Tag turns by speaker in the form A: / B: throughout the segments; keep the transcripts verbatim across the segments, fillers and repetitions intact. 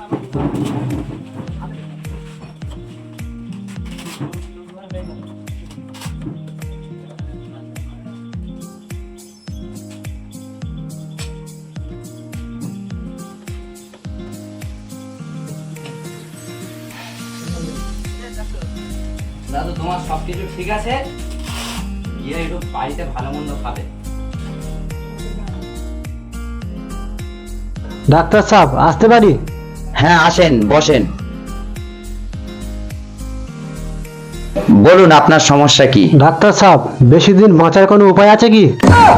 A: দাদু তোমার সবকিছু ঠিক আছে, গিয়ে একটু বাড়িতে ভালো মন্দ খাবে।
B: ডাক্তার সাহেব আসতে পারি?
A: হ্যাঁ আসেন, বসেন। বলুন আপনার সমস্যা কি?
B: ডাক্তার সাহেব বেশি দিন বাঁচার কোনো উপায় আছে কি?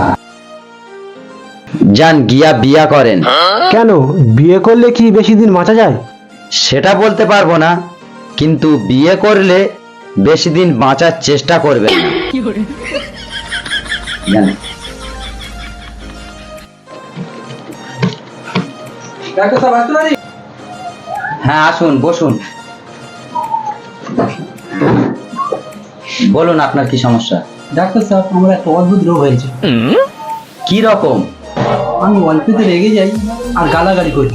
A: যান গিয়া বিয়া করেন।
B: কেন, বিয়ে করলে কি বেশি দিন বাঁচা যায়?
A: সেটা বলতে পারবো না, কিন্তু বিয়ে করলে বেশি দিন বাঁচার চেষ্টা করবেন না। যান।
B: ডাক্তার সাহেব আসতে পারি?
A: হ্যাঁ আসুন, বসুন। বলুন আপনার কি সমস্যা?
B: ডাক্তার সাহেব আমার একটা অদ্ভুত রোগ হয়েছে।
A: কি রকম?
B: আমি অল্পতে রেগে যাই আর গালাগালি করি।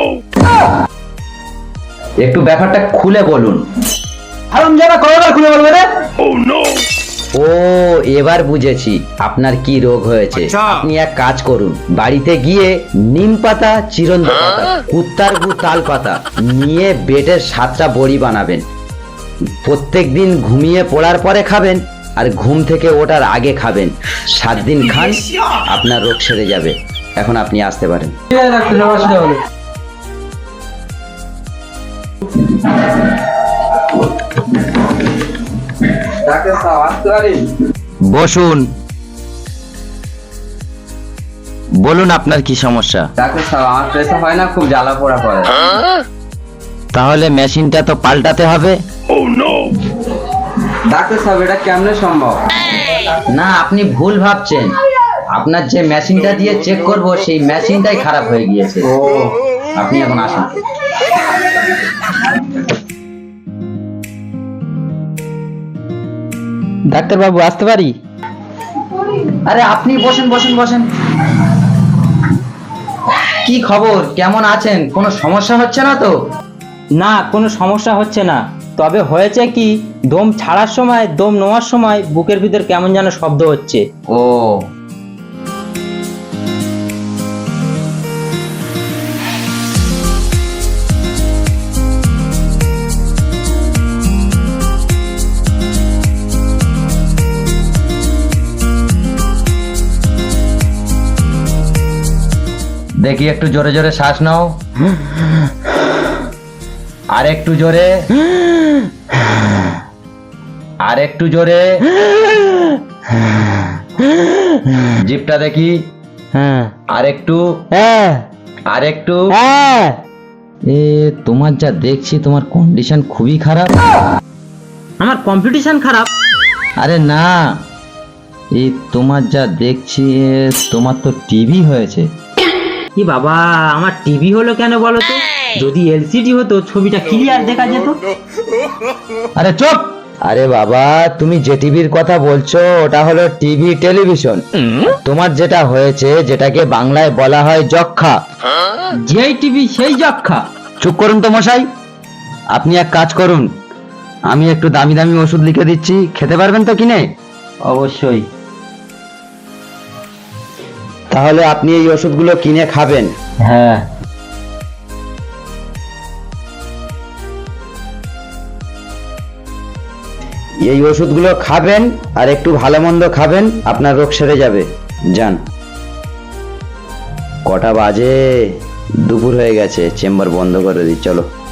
A: একটু ব্যাপারটা খুলে বলুন।
B: আরাম যারা কতবার খুলে বলবে রে?
A: ও এবার বুঝেছি আপনার কি রোগ হয়েছে। আপনি এক কাজ করুন, বাড়িতে গিয়ে নিম পাতা, চিরন্ত পাতা, কুত্তার গু, তাল পাতা নিয়ে বেটের সাতটা বড়ি বানাবেন। প্রত্যেক দিন ঘুমিয়ে পড়ার পরে খাবেন আর ঘুম থেকে ওঠার আগে খাবেন। সাত দিন খান, আপনার রোগ সেরে যাবে। এখন আপনি আসতে পারেন।
B: ঠিক আছে ডাক্তার সাহেব, আসতে হবে। ডাক্তার সাহেব আসতে পারি?
A: বসুন। বলুন আপনার কি সমস্যা?
B: ডাক্তার সাহেব আমার প্রেসার হয় না, খুব জ্বালা পোড়া করে।
A: তাহলে মেশিনটা তো পাল্টাতে হবে।
B: ডাক্তার সাহেব এটা কেমনে সম্ভব?
A: না, আপনি ভুল ভাবছেন। আপনার যে মেশিনটা দিয়ে চেক করব সেই মেশিনটাই খারাপ হয়ে গিয়েছে।
B: ও,
A: আপনি এখন আসুন।
B: ডাক্তার বাবু আসতে পারি?
A: আরে আপনি বসেন বসেন বসেন। কি খবর, কেমন আছেন? কোনো সমস্যা হচ্ছে না তো?
C: না, কোনো সমস্যা হচ্ছে না। তবে হয়েছে কি, দম ছাড়ার সময়, দম নেওয়ার সময় বুকের ভিতর কেমন যেন শব্দ হচ্ছে।
A: ও দেখি একটু জোরে জোরে শ্বাস নাও, আর একটু জোরে, আর একটু জোরে। জিভটা দেখি,
C: হ্যাঁ
A: আর একটু,
C: হ্যাঁ
A: আর একটু।
C: হ্যাঁ।
A: এ তোমার যা দেখছি তোমার কন্ডিশন খুবই খারাপ।
C: আমার কম্পিটিশন খারাপ?
A: আরে না, এই তোমার যা দেখছি এ, তোমার তো টিভি হয়েছে।
C: কি বাবা, আমার টিভি হলো কেন বলো তো? যদি এলসিডি হতো ছবিটা ক্লিয়ার দেখা যেত।
A: আরে চুপ! আরে বাবা, তুমি যে টিভির কথা বলছো ওটা হলো টিভি, টেলিভিশন। তোমার যেটা হয়েছে, যেটাকে বাংলায় বলা হয় যক্ষা।
C: যেই টিভি সেই যক্ষা।
A: চুপ করুন তো মশাই। আপনি এক কাজ করুন, আমি একটু দামি দামি ওষুধ লিখে দিচ্ছি, খেতে পারবেন তো কিনে?
C: অবশ্যই।
A: তাহলে আপনি এই ওষুধগুলো কিনে খাবেন।
C: হ্যাঁ।
A: এই ওষুধগুলো খাবেন আর একটু ভালো মন্দ খাবেন, আপনার রোগ সেরে যাবে। যান। কটা বাজে? দুপুর হয়ে গেছে, চেম্বার বন্ধ করে দিই, চলো।